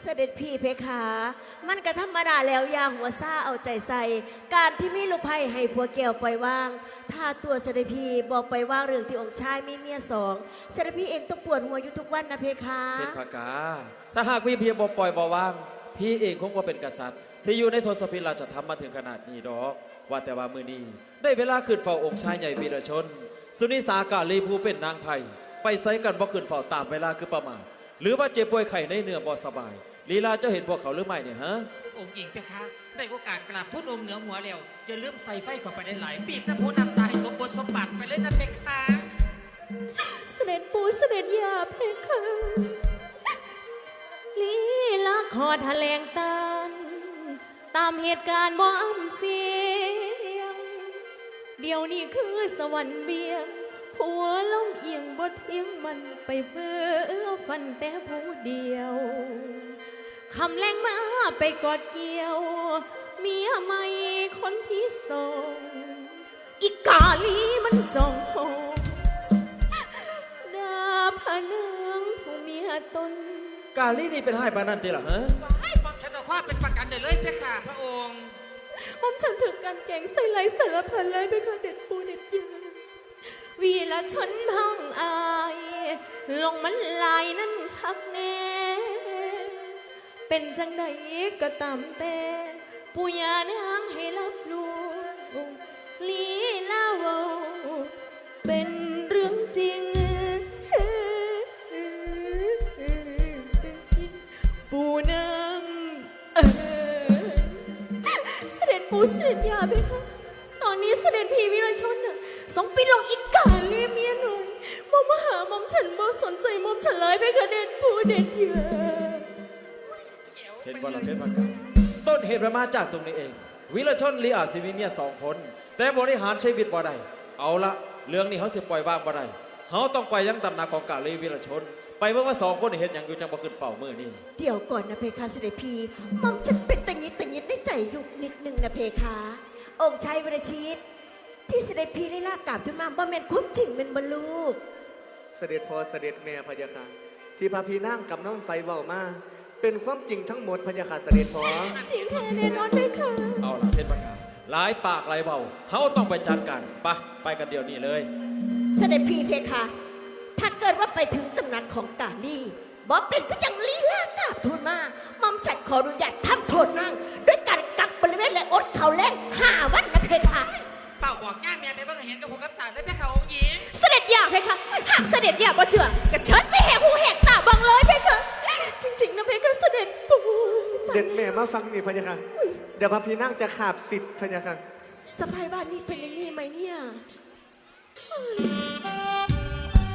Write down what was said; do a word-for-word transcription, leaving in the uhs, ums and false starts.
เสด็จพี่เพคะ มันก็ธรรมดาแล้วอย่างหัวซ่าเอาใจใส่ การที่มีลูกไผ่ให้ผัวแก้วปล่อยวาง ถ้าตัวเสด็จพี่บอกปล่อยวางเรื่องที่องค์ชายมีเมียสองเสด็จพี่เองต้องปวดหัวอยู่ทุกวันนะเพคะเพคะกาถ้าหากพี่เพียงบ่ปล่อยบ่วางพี่เองคงว่าเป็นกษัตริย์ ที่อยู่ในทศพิราชธรรมมาถึงขนาดนี้ดอก ว่าแต่ว่ามือนี้ได้เวลาขึ้นเฝ้าองค์ชายใหญ่วีรชน สุนิสากาลีผู้เป็นนางไผ่ไปไซกันบ่ขึ้นเฝ้าตามเวลาคือประมาทหรือว่าเจ็บป่วยไข้ในเนื้อบ่สบายลีลาเจ้าเห็นพวกเขาหรือไม่เนี่ยฮะองค์หญิงเพคะได้โอกาสกราบทูลองค์เหนือหัวแล้วอย่าลืมใส่ไฟเข้าไปได้หลายปีบน้ำพุน้ำตาให้สมบูรณ์สมบัติไปเลยนะเพคะเสด็จปู่เสด็จย่าเพคะลีลาขอแถลงตามตามเหตุการณ์บ่อำเสียงเดี๋ยวนี้คือสวรรค์เบียงผัวล้มเอียงบ่เทียงมันไปเฟื่อฟันแต่ผู้เดียวคำแรงมาไปกอดเกี่ยวเมียใหม่คนที่สองอีกาลีมันจองโหดาพะเนืองผู้เมียตนกาลีนี่เป็นให้ปานนันติล่ะฮะให้ความฉันเอาความเป็นประกันได้เลยเพคะพระองค์ผมฉันถึงการแกงใส่ไหลสารพันเลยไปค่ะเด็ดปูเด็ดยาวีละชนพังอายลงมันลายนั่นทักแน่เป็นจังใดก็ตามแต่ปุยานางให้รับรู้ลีลาวาเป็นเรื่องจริงปูนางเออเสด็จปูเสด็จยาไปค่ะตอนนี้เสด็จพี่วิรชนน่ะสองปีลงอีกกาเลียเมียหนุ่มมอมาหามอมฉันบ่สนใจมอมฉันเลยไปค่ะเด็ดปูเด็ดยาเห็นว่าเราเพชรประกาศต้นเหตุมันมาจากตรงนี้เองวิรชนลีอาจสิมีเมียสองคนแต่บริหารชีวิตบ่ได้เอาละเรื่องนี้เขาสิปล่อยวางบ่ได้เขาต้องไปยังตำหนักของกาลีวิรชนไปเมื่อว่าสองคนเห็นอย่างอยู่จังบ่ขึ้นเฝ้ามือนี่เดี๋ยวก่อนนะเพคะเสด็จพี่มอมฉันเป็นตังนิดตังนิดในใจยุกนิดนึงนะเพคะองค์ชายวรชิตที่เสด็จพี่ได้ลากกลับขึ้นมาบ่แม่นความจริงเป็นบรรลูกเสด็จพ่อเสด็จแม่พะยาค่ะที่พาพี่นั่งกับน้องไฟเว้ามาเป็นความจริงทั้งหมดพะยาค่ะเสด็จพ่อจริงแท้แน่นอนเพคะเอาล่ะเพชรประกาศหลายปากหลายเบาเขาต้องไปจัดการไปไปกันเดี๋ยวนี้เลยเสด็จพี่เพคะถ้าเกิดว่าไปถึงตำหนักของกาลีบ่เป็นก็ยังลีลากราบทูลมามอมฉันขออนุญาตทำโทษนางด้วยการกักบริเวณและอดเขาแรงห้าวันนะเพคะเป่าบอกง่ายเมียไปเบิ่งเห็นกับหูกับตาเลยเพคะองค์หญิงเสด็จอยากเพคะหากเสด็จอยากบ่เชื่อกระเชิญไปแหกหูแหกตาบังเลยเพคะจริงๆนะเพคะเสด็จปู่เด็ดแม่มาฟังนี่พะยาค่ะเดี๋ยวพาพี่นั่งจะขาบสิทธิ์พะยาค่ะสะพายบ้านนี้เป็นอย่างนี้ไหมเนี่ย